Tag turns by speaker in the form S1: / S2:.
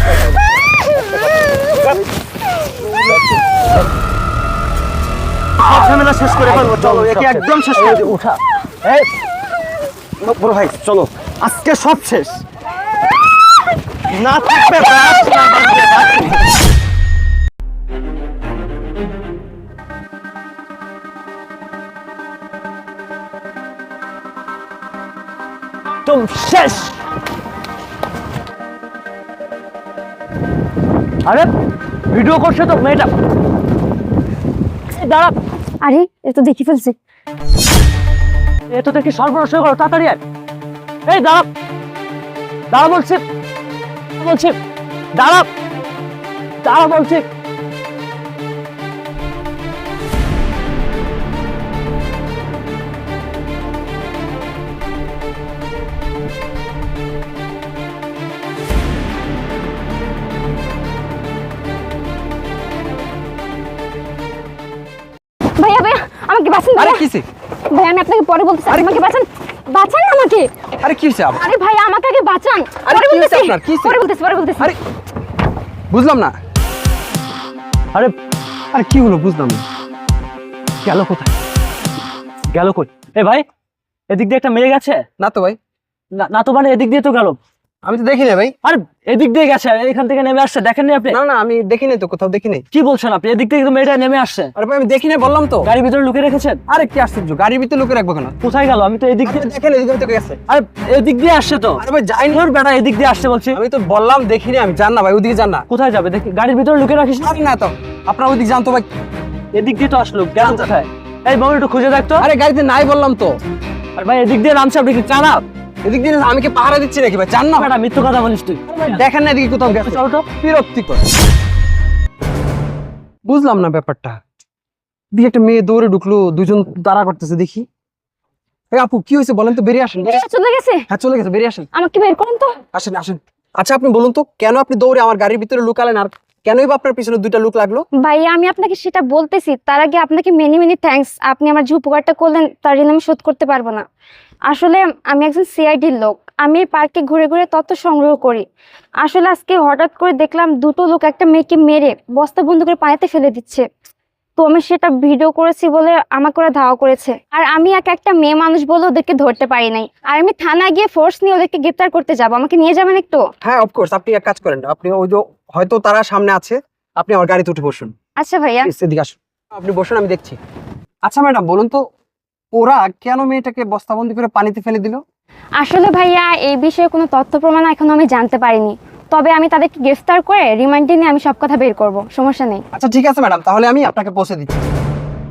S1: ঝামেলা শেষ করে ফেলবো, চলো একে একদম শেষ করে দেবো। উঠা, এই বড় ভাই চলো, আজকে সব শেষ। না থাকবে বাস, না থাকবে বাকি। তুমি শেষ। আরে ভিডিও করছে তো মেয়েটা, দাঁড়া।
S2: আরে এ তো দেখি ফেলছে।
S1: এ তো দেখি সর্বনাশ হয়ে গেল, তাড়াতাড়ি আয়। এই দাঁড়া, দাঁড়া বলছি, বলছি দাঁড়া, দাঁড়া বলছি।
S2: ভাইয়া ভাইয়া আমাকে বাঁচান
S3: আরে
S2: ভাইয়া।
S3: কিসে?
S2: ভাই আমি আপনাকে পরে বলতেছি, আমাকে বাঁচান, বাঁচান না আমাকে।
S3: আরে কি হইছে আবার?
S2: আরে ভাইয়া আমাকে আগে বাঁচান।
S3: আরে
S2: পরে
S3: কি হইছে
S2: বলতেছি,
S3: আপনার? কি হইছে?
S2: পরে বলতেছি।
S3: আরে বুঝলাম না। আরে আরে কি হলো বুঝলাম না।
S1: গেল কোথায়, গেল কই? এ ভাই, এদিক দিয়ে একটা মেয়ে গেছে।
S3: না তো ভাই,
S1: না তো মানে এদিক দিয়ে তো গেল।
S3: আমি তো দেখি না ভাই।
S1: আরে এদিক দিয়ে গেছে, এখান থেকে নেমে আসছে, দেখেননি আপনি?
S3: না না আমি দেখি নাই তো, কোথাও দেখি নাই।
S1: কি বলছেন আপনি? এদিক থেকে তো মেয়েটা নেমে আসছে।
S3: আরে ভাই আমি দেখি নাই বললাম তো।
S1: গাড়ির ভিতরে লুকিয়ে রেখেছেন?
S3: আরে কি আশ্চর্য, গাড়ির ভিতরে লুকিয়ে রাখবো কেন?
S1: কোথায় গেল? আমি তো এদিক দিয়ে
S3: দেখেন এদিকে তো গেছে।
S1: আরে এদিক দিয়ে আসছে তো।
S3: আরে ভাই যাই না,
S1: তোর বেটা এদিক দিয়ে আসছে বলছি।
S3: আমি তো বললাম দেখিনি, আমি জান না ভাই, ওদিকে জান না।
S1: কোথায় যাবে দেখি, গাড়ির ভিতরে লুকিয়ে রাখিস না।
S3: আরে না তো, আপনার ওদিকে জান তো ভাই।
S1: এদিক দিয়ে তো আসলো, গেল কোথায়? এই বাবু একটু খুঁজে দেখতো।
S3: আরে গাড়িতে নাই বললাম তো।
S1: আর ভাই এদিক দিয়ে নামছে, আপনি কি চান?
S3: এদিক দিয়ে আমি কি পাহারা দিচ্ছি নাকি ভাই? জান না
S1: বেটা মিথ্যে কথা বলিস তুই।
S3: দেখেন না এদিকে কোথাও গেছে।
S1: চল তো।
S3: বিরক্তিকর, বুঝলাম না ব্যাপারটা। দিকে একটা মেয়ে দৌড়ে ঢুকলো, দুজন দাঁড়া করতেছে দেখি। এই আপু কি হয়েছে বলেন তো, বেরিয়ে আসেন।
S2: ভাইয়া চলে গেছে,
S3: হ্যাঁ চলে গেছে, বেরিয়ে আসেন।
S2: আমাকে বের করেন তো।
S3: আসেন আসেন। আচ্ছা আপনি বলুন তো, কেন আপনি দৌড়ে আমার গাড়ির ভিতরে লুকালেন, আর কেনই বা আপনার পিছনে দুইটা লোক লাগলো?
S2: ভাইয়া আমি আপনাকে সেটা বলতেছি, তার আগে আপনাকে মেনি মেনি থ্যাঙ্কস। আপনি আমার যে উপকারটা করলেন তার ঋণ আমি শোধ করতে পারবো না। আসলে আমি একজন সিআইডির লোক, আমি এই পার্কে ঘুরে ঘুরে তথ্য সংগ্রহ করি। আসলে আজকে হঠাৎ করে দেখলাম দুটো লোক একটা মেয়েকে মেরে বস্তা বন্ধ করে পানিতে ফেলে দিচ্ছে। তো আমি সেটা ভিডিও করেছি বলে আমাকে ওরা ধাওয়া করেছে, আর আমি একটা মেয়ে মানুষ বলে ওদেরকে ধরতে পারি নাই। আর আমি থানায় গিয়ে ফোর্স নিয়ে ওদেরকে গ্রেপ্তার করতে যাবো, আমাকে নিয়ে যাবেন একটু?
S3: হ্যাঁ অফকোর্স, আপনি এক কাজ করেন, আপনি ওই যে হয়তো তারা সামনে আছে, আপনি আমার গাড়িতে উঠে বসুন।
S2: আচ্ছা ভাইয়া।
S3: এদিকে আসুন, আপনি বসুন, আমি দেখছি। আচ্ছা ম্যাডাম বলুন তো, ওরা কেন মেয়েটাকে বস্তাবন্দি করে পানিতে ফেলে দিল?
S2: আসলে ভাইয়া এই বিষয়ে কোনো তথ্য প্রমাণ এখনো আমি জানতে পারিনি, তবে আমি তাদেরকে গ্রেফতার করে রিমান্ডে নিয়ে আমি সব কথা বের করব, সমস্যা নেই।
S3: আচ্ছা ঠিক আছে ম্যাডাম, তাহলে আমি আপনাকে পৌঁছে দিচ্ছি।